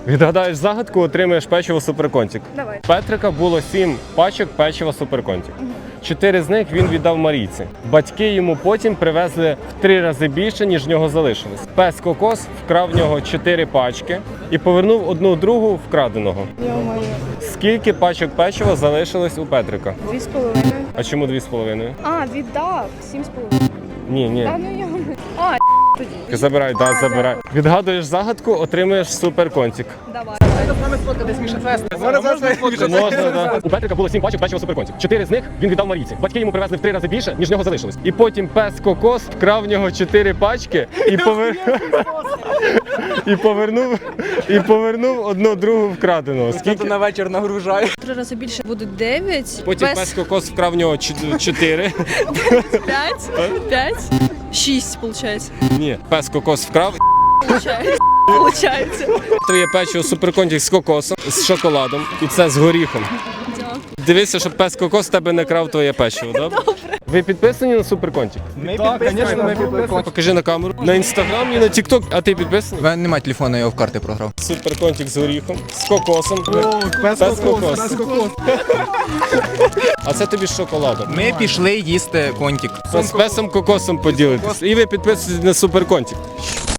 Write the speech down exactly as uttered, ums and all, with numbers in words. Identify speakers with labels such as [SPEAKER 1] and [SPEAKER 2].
[SPEAKER 1] Відгадаєш загадку, отримаєш печиво суперконтик.
[SPEAKER 2] Давай.
[SPEAKER 1] Петрика було сім пачок печива суперконтик. Чотири з них він віддав Марійці. Батьки йому потім привезли в три рази більше, ніж в нього залишилось. Пес Кокос вкрав в нього чотири пачки і повернув одну другу вкраденого.
[SPEAKER 2] Йо-моє.
[SPEAKER 1] Скільки пачок печива залишилось у Петрика?
[SPEAKER 2] Дві з половиною.
[SPEAKER 1] А чому дві з половиною?
[SPEAKER 2] А, віддав. Сім з половиною.
[SPEAKER 1] Ні, ні.
[SPEAKER 2] Та ну йо. А, тоді.
[SPEAKER 1] Забирай, да, забирай. Відгадуєш загадку, отримуєш суперконтик.
[SPEAKER 2] Давай.
[SPEAKER 1] Можна, да. У Петрика було сім пачок печива суперконтик. Чотири з них він віддав Марійці. Батьки йому привезли в три рази більше, ніж в нього залишилось. І потім пес Кокос вкрав в нього чотири пачки і повер... і повернув і повернув одну другу вкраденого. Скільки
[SPEAKER 3] на вечір нагружає.
[SPEAKER 2] Три рази більше буде дев'ять.
[SPEAKER 1] потім пес Кокос вкрав в нього чотири.
[SPEAKER 2] П'ять. П'ять. Шість, виходить.
[SPEAKER 1] Ні, пес Кокос вкрав.
[SPEAKER 2] Получається.
[SPEAKER 1] Твоє печиво суперконтик з кокосом, з шоколадом і це з горіхом. Дивися, щоб пес Кокос в тебе не крав твоє печиво, добре? Ви підписані на суперконтик?
[SPEAKER 3] Ми підписані, ми підписані.
[SPEAKER 1] Покажи на камеру. На інстаграм і на тікток, а ти підписаний?
[SPEAKER 3] У мене немає телефону, я його в карти програв.
[SPEAKER 1] Суперконтик з горіхом, з кокосом.
[SPEAKER 3] Пес
[SPEAKER 1] Кокос. А це тобі з шоколадом.
[SPEAKER 3] Ми пішли їсти контик.
[SPEAKER 1] З песом Кокосом поділитись. І ви підписуєтесь на суперконтик.